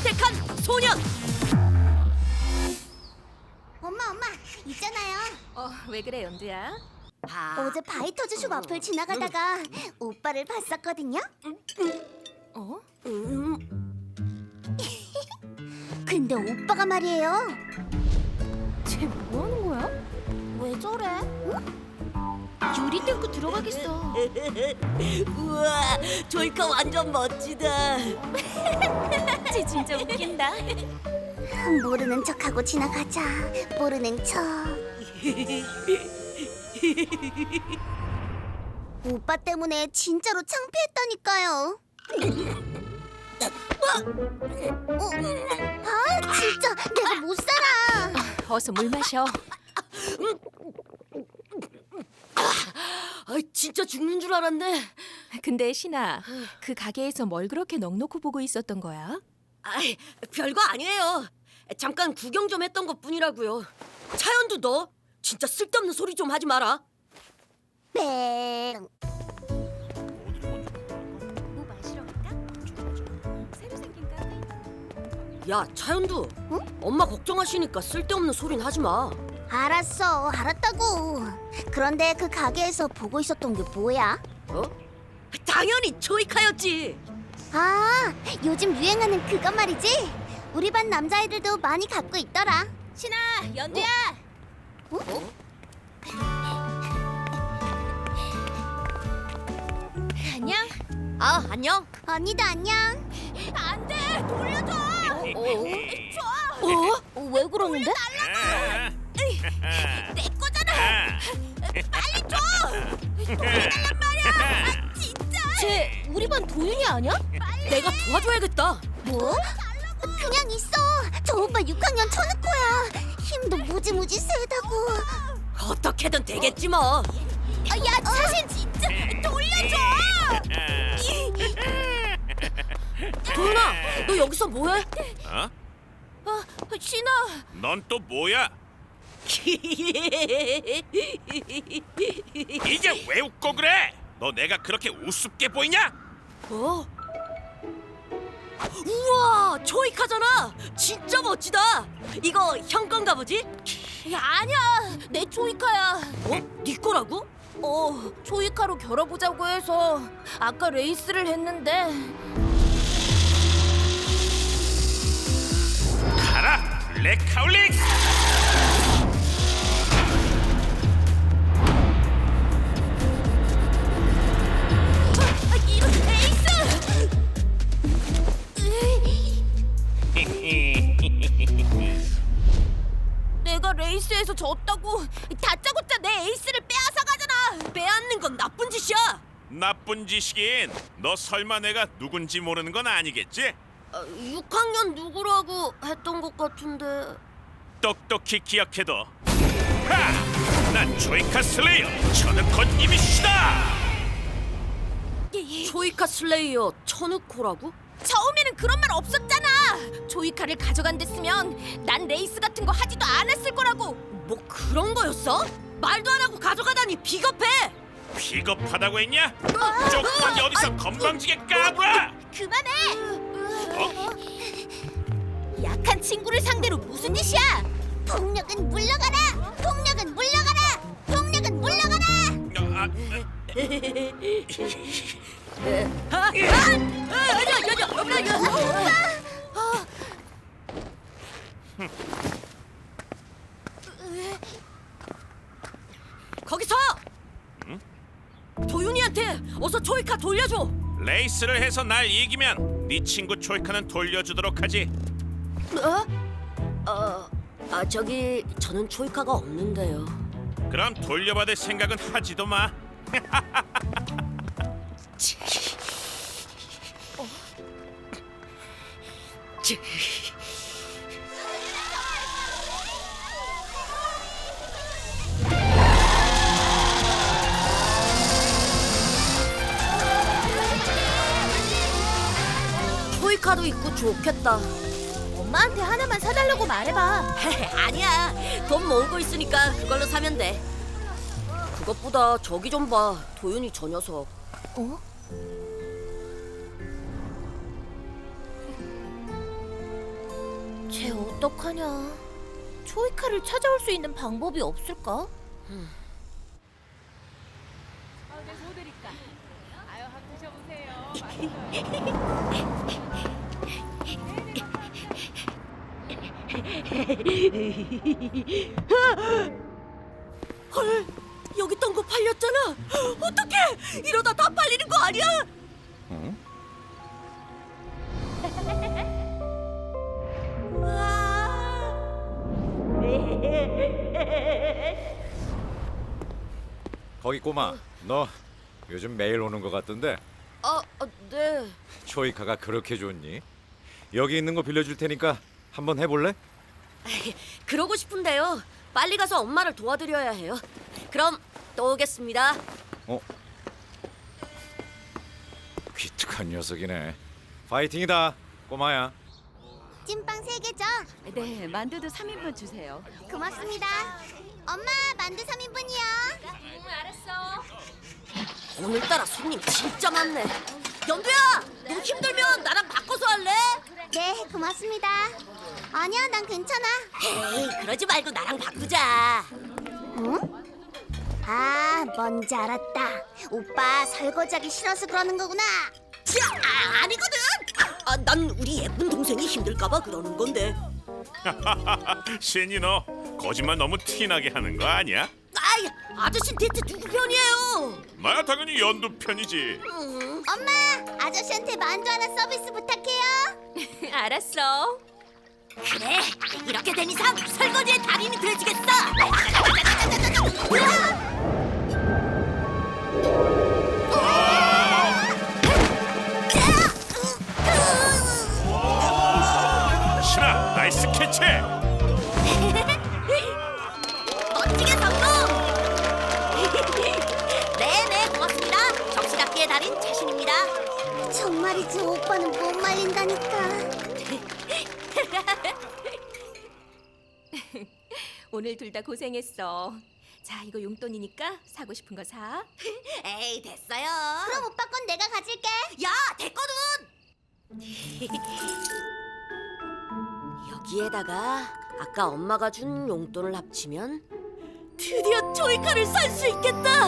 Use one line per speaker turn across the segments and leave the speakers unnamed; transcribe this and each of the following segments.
선택한 소년.
엄마, 있잖아요.
왜 그래, 연두야?
어제 바이터즈숍 앞을 지나가다가 오빠를 봤었거든요.
어?
근데 오빠가 말이에요.
쟤 뭐 하는 거야?
왜 저래?
유리 뚫고 들어가겠어.
우와, 조이카 완전 멋지다.
쟤 진짜 웃긴다.
모르는 척하고 지나가자. 모르는 척. 오빠 때문에 진짜로 창피했다니까요. 아, 진짜 내가 못 살아.
어서 물 마셔.
진짜 죽는 줄 알았네.
근데 신아, 그 가게에서 뭘 그렇게 넋놓고 보고 있었던 거야?
아이, 별거 아니에요. 잠깐 구경 좀 했던 것뿐이라고요. 차연두 너 진짜 쓸데없는 소리 좀 하지 마라.
뺑.
뭐 마시러 갈까? 새로 생긴 카페.
야, 차연두. 엄마 걱정하시니까 쓸데없는 소리는 하지 마.
알았어, 알았다고. 그런데 그 가게에서 보고 있었던 게 뭐야?
어? 당연히 조이카였지.
아, 요즘 유행하는 그것 말이지? 우리 반 남자애들도 많이 갖고 있더라.
신아, 연두야. 안녕.
아, 안녕.
언니도 안녕.
안 돼, 돌려줘.
왜 그러는데?
내 거잖아. 빨리 줘. 돌려달란 말이야. 진짜.
쟤 우리 반 도윤이 아니야?
내가 도와줘야겠다.
뭐? 그냥 있어. 저 오빠 6학년 천우코야. 힘도 무지무지 세다고.
어떻게든 되겠지 뭐.
야, 사실 진짜
돌려줘.
도윤아, 너 여기서 뭐해?
어?
신아.
넌 또 뭐야? 이게 왜 웃고 그래? 너 내가 그렇게 우습게 보이냐?
어? 우와, 조이카잖아. 진짜 멋지다. 이거 형 건가 보지?
아니야, 내 조이카야.
네 거라고?
조이카로 겨뤄보자고 해서 아까 레이스를 했는데.
가라, 블랙하울릭!
이런 레이스! 내가 레이스에서 졌다고 다짜고짜 내 에이스를 빼앗아 가잖아.
빼앗는 건 나쁜 짓이야.
나쁜 짓이긴. 너 설마 내가 누군지 모르는 건 아니겠지?
6학년 누구라고 했던 것 같은데.
똑똑히 기억해둬. 하! 난 조이카 슬레이어 천우코님이시다.
조이카 슬레이어 천우코라고?
처음에는 그런 말 없었잖아. 조이카를 가져간댔으면 난 레이스 같은 거 하지도 않았을 거라고.
뭐 그런 거였어? 말도 안 하고 가져가다니 비겁해.
비겁하다고 했냐? 조금만 어디서 건방지게 까불어!
그만해.
어?
약한 친구를 상대로 무슨 짓이야?
폭력은 물러가라. 폭력은 물러가라. 폭력은 물러가라.
거기서! 도윤이한테 어서 조이카 돌려줘.
레이스를 해서 날 이기면 네 친구 조이카는 돌려주도록 하지.
저기 저는 조이카가 없는데요.
그럼 돌려받을 생각은 하지도 마.
조이카도 있고 좋겠다.
엄마한테 하나만 사달라고 말해봐.
아니야, 돈 모으고 있으니까 그걸로 사면 돼. 그것보다 저기 좀 봐, 도윤이 저 녀석.
쟤 어떡하냐? 초이카를 찾아올 수 있는 방법이 없을까?
헐, 여기 있던 거 팔렸잖아. 어떡해? 이러다 다 팔리는 거 아니야?
응? 거기 꼬마, 너 요즘 매일 오는 것 같던데
네.
초이카가 그렇게 좋니? 여기 있는 거 빌려줄 테니까 한번 해볼래?
그러고 싶은데요. 빨리 가서 엄마를 도와드려야 해요. 그럼 또 오겠습니다.
기특한 녀석이네. 파이팅이다, 꼬마야.
찐빵 3개죠?
네, 만두도 3인분 주세요.
고맙습니다. 엄마, 만두 3인분이요.
오늘따라 손님 진짜 많네. 연두야, 너 힘들면 나랑 바꿔서 할래?
네, 고맙습니다. 아니야, 난 괜찮아.
에이, 그러지 말고 나랑 바꾸자.
응? 아, 뭔지 알았다. 오빠 설거지하기 싫어서 그러는 거구나.
아니거든. 난 우리 예쁜 동생이 힘들까봐 그러는 건데.
신이 너 거짓말 너무 티나게 하는 거 아니야?
아이, 아저씨 대체 누구 편이에요?
나야 당연히 연두 편이지.
엄마, 아저씨한테 만두 하나 서비스 부탁해요.
알았어.
그래, 이렇게 된 이상 설거지의 달인이 되어주겠어.
신아, 나이스 캐치.
멋지게 성공! 네네, 고맙습니다. 접시닦기의 달인 자신입니다.
정말이지, 오빠는 못 말린다니까.
오늘 둘 다 고생했어. 자, 이거 용돈이니까 사고 싶은 거 사.
에이, 됐어요.
그럼 오빠 건 내가 가질게.
야, 됐거든. 여기에다가 아까 엄마가 준 용돈을 합치면 드디어 조이카를 살 수 있겠다.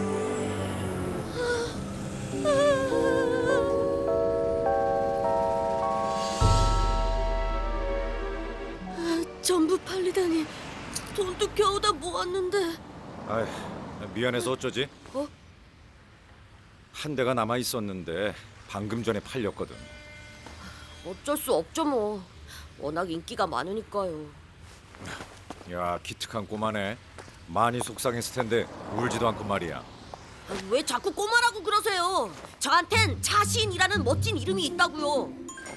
전부 팔리다니. 돈도 겨우 다 모았는데.
아이, 미안해서 어쩌지?
어?
한 대가 남아 있었는데 방금 전에 팔렸거든.
어쩔 수 없죠 뭐. 워낙 인기가 많으니까요.
야, 기특한 꼬마네. 많이 속상했을 텐데 울지도 않고 말이야.
왜 자꾸 꼬마라고 그러세요? 저한텐 차신이라는 멋진 이름이 있다고요.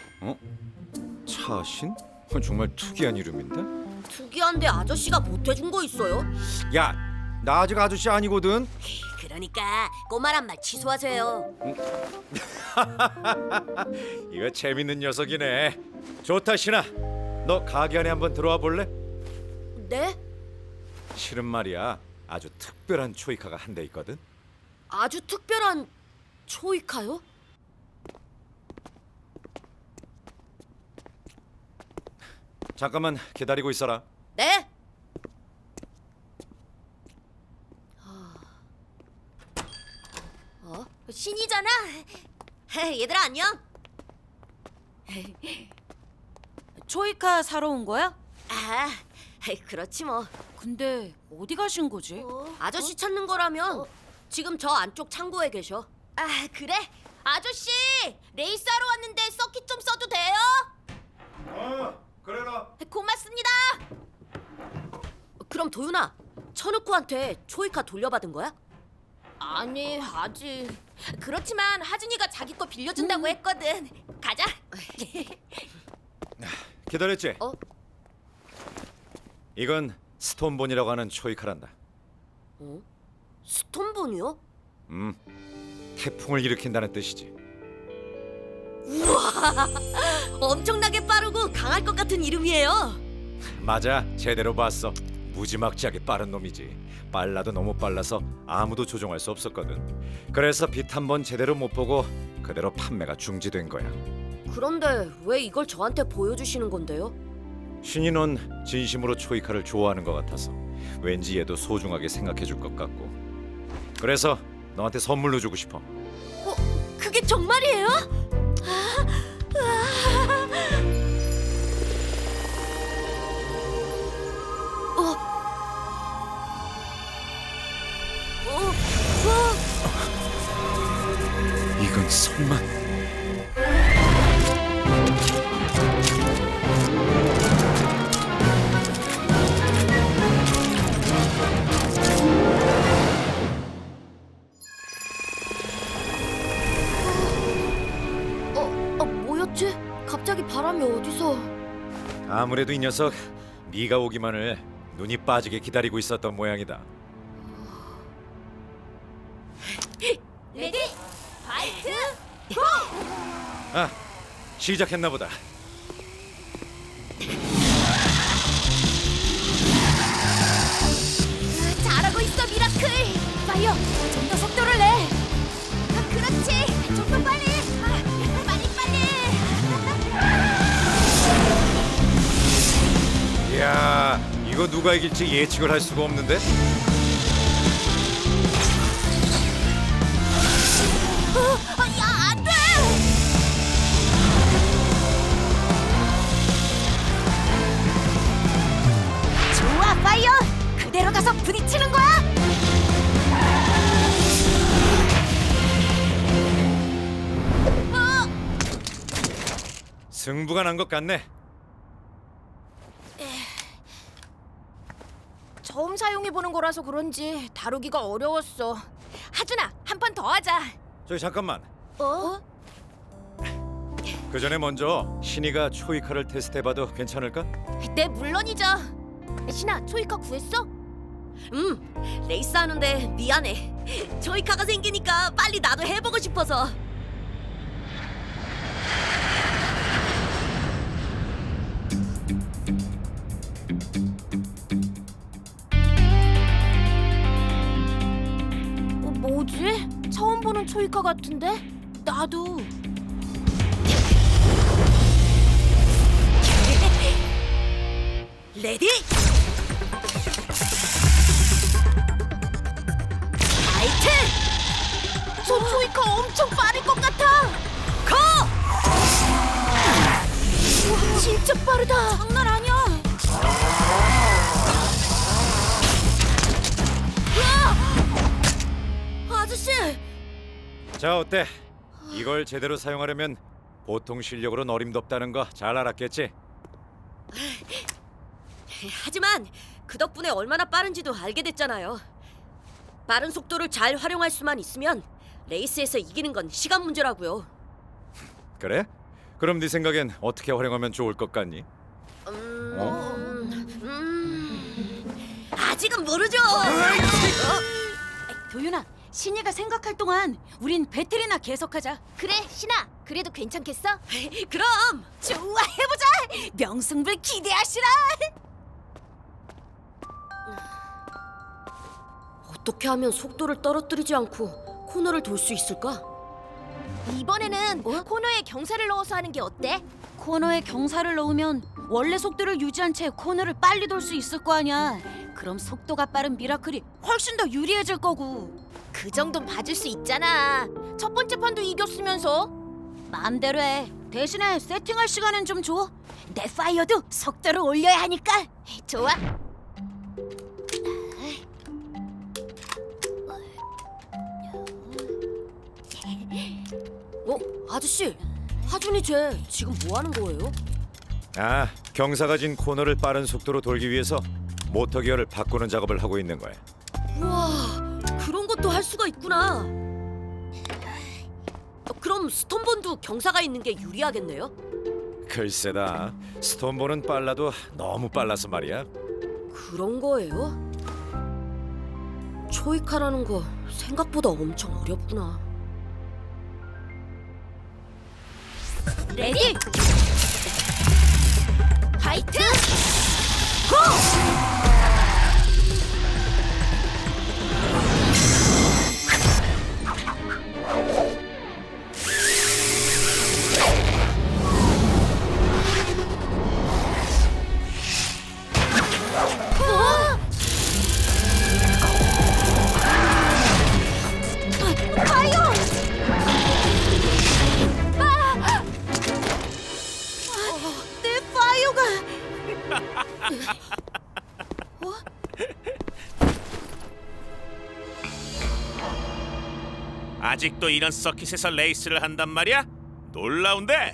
차신? 정말 특이한 이름인데?
특이한데 아저씨가 못해준 거 있어요?
야, 나 아직 아저씨 아니거든.
그러니까 꼬마란 말 취소하세요.
이거 재밌는 녀석이네. 좋다, 신아. 너 가게 안에 한번 들어와 볼래?
네?
실은 말이야, 아주 특별한 초이카가 한 대 있거든.
아주 특별한 초이카요?
잠깐만 기다리고 있어라.
네?
신이잖아.
얘들아 안녕.
초이카 사러 온 거야?
아, 그렇지 뭐.
근데 어디 가신 거지?
아저씨 찾는 거라면 지금 저 안쪽 창고에 계셔.
아, 그래? 아저씨, 레이스하러 왔는데 서킷 좀 써도 돼요?
그래라.
고맙습니다.
그럼 도윤아, 천우코한테 초이카 돌려받은 거야?
아니, 아직. 그렇지만 하준이가 자기 거 빌려준다고 했거든. 가자.
기다렸지?
어?
이건 스톤본이라고 하는 초이카란다.
스톤본이요?
태풍을 일으킨다는 뜻이지.
엄청나게 빠르고 강할 것 같은 이름이에요.
맞아, 제대로 봤어. 무지막지하게 빠른 놈이지. 빨라도 너무 빨라서 아무도 조종할 수 없었거든. 그래서 빛 한 번 제대로 못 보고 그대로 판매가 중지된 거야.
그런데 왜 이걸 저한테 보여주시는 건데요?
신이 넌 진심으로 초이카를 좋아하는 것 같아서 왠지 얘도 소중하게 생각해줄 것 같고 그래서 너한테 선물로 주고 싶어.
그게 정말이에요?
이건 설마?
뭐였지? 갑자기 바람이 어디서?
아무래도 이 녀석 네가 오기만을 눈이 빠지게 기다리고 있었던 모양이다.
레디, 파이트!
아, 시작했나 보다.
잘하고 있어, 미라클! 파이어, 좀 더 속도를 내! 그렇지! 좀 더 빨리! 빨리!
이야, 이거 누가 이길지 예측을 할 수가 없는데?
야, 안 돼! 좋아, 파이어! 그대로 가서 부딪히는 거야!
승부가 난 것 같네.
처음 사용해보는 거라서 그런지 다루기가 어려웠어. 하준아, 한 판 더 하자.
저기 잠깐만.
어?
그 전에 먼저 신이가 초이카를 테스트해봐도 괜찮을까?
네, 물론이죠. 신아, 초이카 구했어?
레이스 하는데 미안해. 조이카가 생기니까 빨리 나도 해보고 싶어서.
뭐지? 처음 보는 초이카 같은데? 나도.
레디! 파이트!
저 초이카 엄청 빠를 것 같아.
고!
우와, 진짜 빠르다. 장난 아니야.
아저씨!
자, 어때? 이걸 제대로 사용하려면 보통 실력으로는 어림덥다는 거 잘 알았겠지?
하지만 그 덕분에 얼마나 빠른지도 알게 됐잖아요. 빠른 속도를 잘 활용할 수만 있으면 레이스에서 이기는 건 시간 문제라고요.
그래? 그럼 네 생각엔 어떻게 활용하면 좋을 것 같니?
아직은 모르죠.
도윤아, 신이가 생각할 동안 우린 배틀이나 계속하자.
그래, 신아. 그래도 괜찮겠어?
그럼
좋아, 해보자. 명승부를 기대하시라.
어떻게 하면 속도를 떨어뜨리지 않고 코너를 돌 수 있을까?
이번에는 코너에 경사를 넣어서 하는 게 어때?
코너에 경사를 넣으면 원래 속도를 유지한 채 코너를 빨리 돌 수 있을 거 아니야. 그럼 속도가 빠른 미라클이 훨씬 더 유리해질 거고.
그 정도는 봐줄 수 있잖아. 첫 번째 판도 이겼으면서.
마음대로 해. 대신에 세팅할 시간은 좀 줘. 내 파이어도 속도를 올려야 하니까.
좋아.
아저씨, 하준이 쟤 지금 뭐 하는 거예요?
아, 경사가 진 코너를 빠른 속도로 돌기 위해서 모터 기어를 바꾸는 작업을 하고 있는 거야.
우와, 그런 것도 할 수가 있구나. 그럼 스톤본도 경사가 있는 게 유리하겠네요?
글쎄다. 스톤볼은 빨라도 너무 빨라서 말이야.
그런 거예요? 초이카라는 거 생각보다 엄청 어렵구나.
레디, 파이트!
아직도 이런 서킷에서 레이스를 한단 말이야? 놀라운데?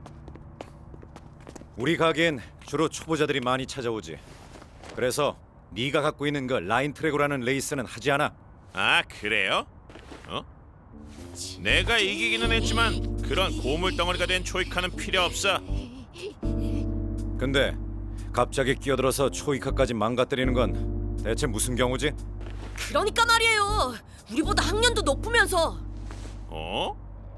우리 가게엔 주로 초보자들이 많이 찾아오지. 그래서 네가 갖고 있는 그 라인 트랙으로라는 레이스는 하지 않아.
아, 그래요? 어? 내가 이기기는 했지만 그런 고물 덩어리가 된 초이카는 필요 없어.
근데 갑자기 끼어들어서 초이카까지 망가뜨리는 건 대체 무슨 경우지?
그러니까 말이에요. 우리보다 학년도 높으면서.
어?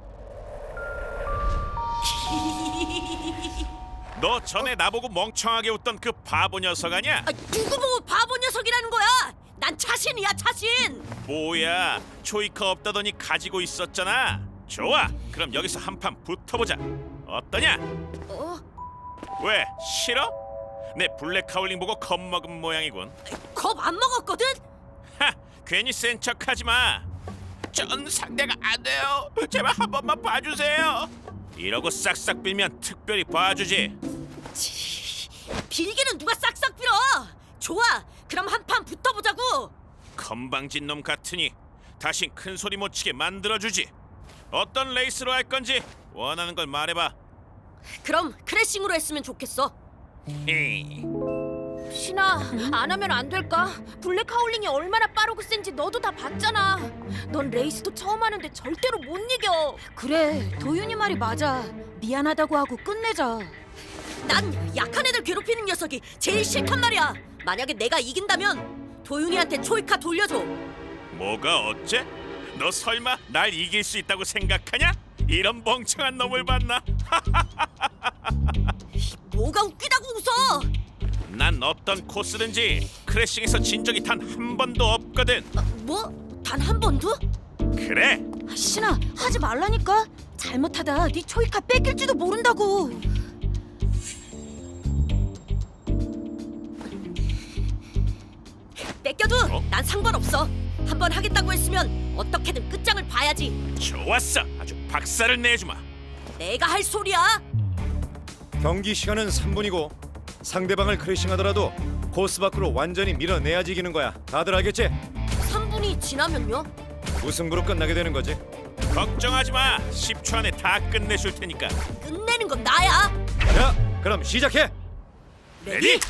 너 전에 나보고 멍청하게 웃던 그 바보 녀석 아니야?
아, 누구 보고 바보 녀석이라는 거야? 난 자신이야, 자신.
뭐야, 초이카 없다더니 가지고 있었잖아. 좋아, 그럼 여기서 한판 붙어보자. 어떠냐?
어?
왜, 싫어? 내 블랙 카울링 보고 겁먹은 모양이군.
겁 안 먹었거든?
하, 괜히 센 척하지 마. 전 상대가 안 돼요. 제발 한 번만 봐주세요. 이러고 싹싹 빌면 특별히 봐주지.
빌기는 누가 싹싹 빌어. 좋아, 그럼 한판 붙어보자고.
건방진 놈 같으니 다신 큰 소리 못 치게 만들어주지. 어떤 레이스로 할 건지 원하는 걸 말해봐.
그럼 크래싱으로 했으면 좋겠어.
에이,
신아, 안 하면 안 될까? 블랙 하울링이 얼마나 빠르고 센지 너도 다 봤잖아. 넌 레이스도 처음 하는데 절대로 못 이겨.
그래, 도윤이 말이 맞아. 미안하다고 하고 끝내자.
난 약한 애들 괴롭히는 녀석이 제일 싫단 말이야. 만약에 내가 이긴다면 도윤이한테 초이카 돌려줘.
뭐가 어째? 너 설마 날 이길 수 있다고 생각하냐? 이런 멍청한 놈을 봤나?
뭐가 웃기다고 웃어?
난 어떤 코스든지 크래싱에서 진 적이 단 한 번도 없거든.
뭐? 단 한 번도?
그래,
아, 신아, 하지 말라니까. 잘못하다 네 초이카 뺏길지도 모른다고.
뺏겨도
어?
난 상관없어. 한 번 하겠다고 했으면 어떻게든 끝장을 봐야지.
좋았어. 아주 박살을 내주마.
내가 할 소리야.
경기 시간은 3분이고 상대방을 크래싱하더라도 코스 밖으로 완전히 밀어내야지 이기는 거야. 다들 알겠지?
3분이 지나면요?
무승부로 끝나게 되는 거지.
걱정하지 마. 10초 안에 다 끝내줄 테니까.
끝내는 건 나야.
자, 그럼 시작해.
레디?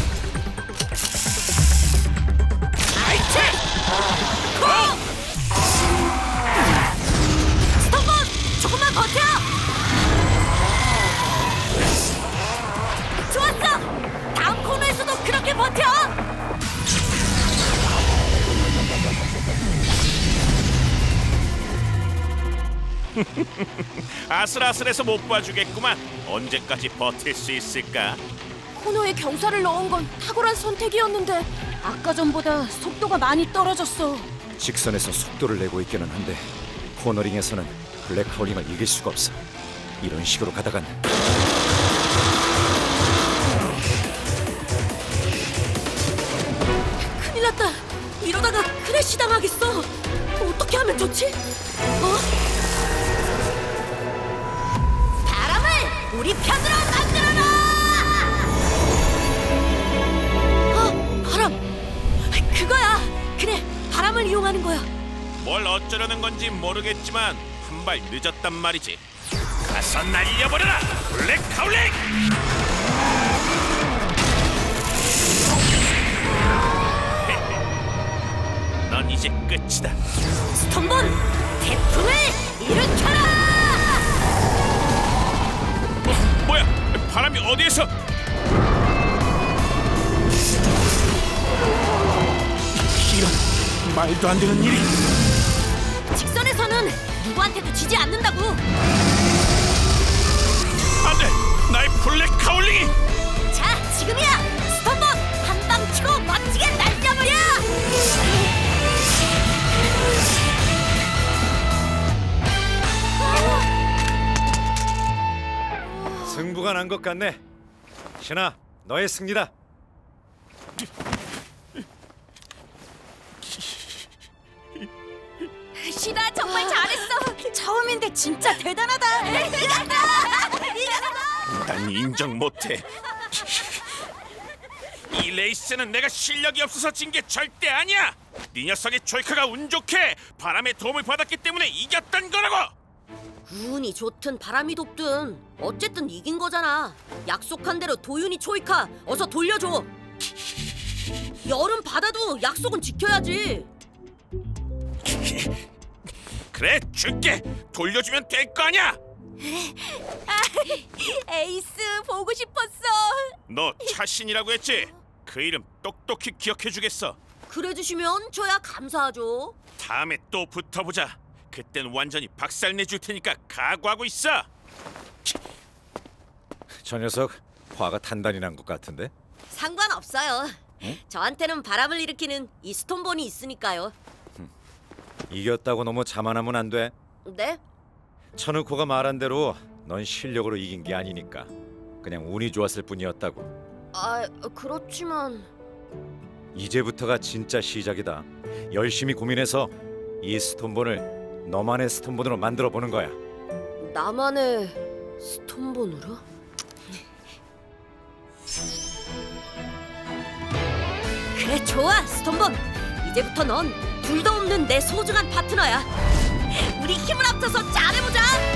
스톱본! 조금만 버텨! 좋았어! 다음 코너에서도 그렇게 버텨!
아슬아슬해서 못 봐주겠구만. 언제까지 버틸 수 있을까?
코너에 경사를 넣은 건 탁월한 선택이었는데.
아까 전보다 속도가 많이 떨어졌어.
직선에서 속도를 내고 있기는 한데 코너링에서는 블랙 하울링을 이길 수가 없어. 이런 식으로 가다간
큰일 났다. 이러다가 크래시 당하겠어. 어떻게 하면 좋지? 바람을 우리 편으로 만들어라! 바람. 그거야. 그래, 바람을 이용하는 거야.
뭘 어쩌려는 건지 모르겠지만 한 발 늦었단 말이지. 가서 날려버려라, 블랙 하울링! 넌 이제 끝이다.
스톤본, 태풍을 일으켜라!
뭐야? 바람이 어디에서? 이런 말도 안 되는 일이.
직선에서는 누구한테도 지지 않는다고.
안돼, 나의 블랙 하울링이.
자, 지금이야. 스톤본, 한 방 치고 멋지게 날려버려!
승부가 난 것 같네. 신아, 너의 승리다.
신아, 정말 잘했어.
처음인데 진짜 대단하다.
난 인정 못해. 이 레이스는 내가 실력이 없어서 진 게 절대 아니야. 네 녀석의 조이카가 운 좋게 바람의 도움을 받았기 때문에 이겼던 거라고.
운이 좋든 바람이 덥든 어쨌든 이긴 거잖아. 약속한 대로 도윤이 초이카 어서 돌려줘. 여름 바다도 약속은 지켜야지.
그래, 줄게. 돌려주면 될 거 아니야.
에이스 보고 싶었어.
너 차신이라고 했지? 그 이름 똑똑히 기억해주겠어.
그래 주시면 저야 감사하죠.
다음에 또 붙어보자. 그땐 완전히 박살내줄 테니까 각오하고 있어.
저 녀석 화가 단단히 난 것 같은데.
상관없어요. 저한테는 바람을 일으키는 이 스톤본이 있으니까요.
이겼다고 너무 자만하면 안 돼.
네?
천우코가 말한 대로 넌 실력으로 이긴 게 아니니까 그냥 운이 좋았을 뿐이었다고.
아, 그렇지만
이제부터가 진짜 시작이다. 열심히 고민해서 이 스톤본을 너만의 스톤본으로 만들어 보는 거야.
나만의 스톤본으로? 그래 좋아 스톤본. 이제부터 넌 둘도 없는 내 소중한 파트너야. 우리 힘을 합쳐서 잘해보자.